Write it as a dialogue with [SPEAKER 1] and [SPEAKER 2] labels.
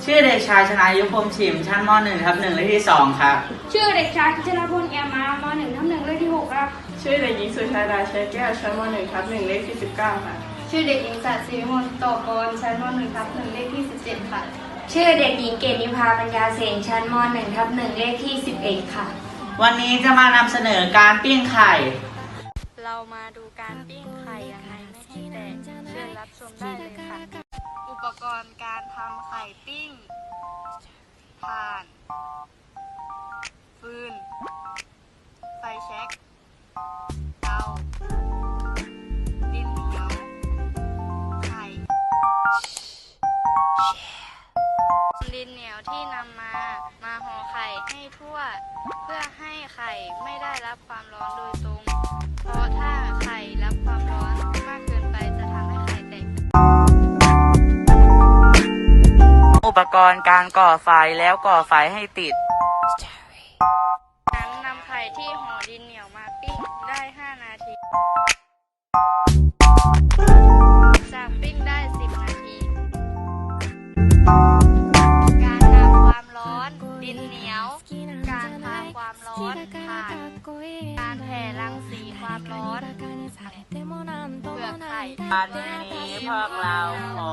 [SPEAKER 1] ชื่อเด็กชายชนายุพรมฉิมชั้นม .1/1 เลขที่2ครับ
[SPEAKER 2] ชื่อเด็กชายกิจนพลแอมมาม.1/1 เลขที่6ครับ
[SPEAKER 3] ชื่อเด็กหญิงสุชาดาชัยแก้วชั้นม.1/1 เลขที่19ค่ะ
[SPEAKER 2] ชื่อเด็กหญิงสัตย์ศรีวิมลโตกรชั้นม.1/1 เลขที่17ค่ะ
[SPEAKER 4] ชื่อเด็กหญิงเกตนิพาปัญญาเสงชั้นม.1/1 เลขที่11ค่ะ
[SPEAKER 1] วันนี้จะมานำเสนอการปิ้งไข่
[SPEAKER 5] เรามาดูการปิ้งไข่ยังไงไม่ให้แตกเชิญรับชมได้เลยค่ะอุปกรณ์การทำไข่ปิ้งถ่านฟืนไฟแช็กเตาดินเหนียวไข่ดินเหนียวที่นำมาห่อไข่ให้ทั่วเพื่อให้ไข่ไม่ได้รับความร้อนโดยตรงเพราะถ้าไข่รับความร้อนมากเกินไปจะทำให้ไข่แตก
[SPEAKER 1] อุปกรณ์การก่อไฟแล้วก่อไฟให้ติด
[SPEAKER 5] นั้นนำไข่ที่ห่อดินเหนียวมาปิ้งได้5 นาทีจากปิ้งได้10 นาทีการนำความร้อนดินเหนียวการพาความร้อนผ่านการแผ่รังสีความร้อนเปลือกไข่
[SPEAKER 1] วันนี้พวกเราขอ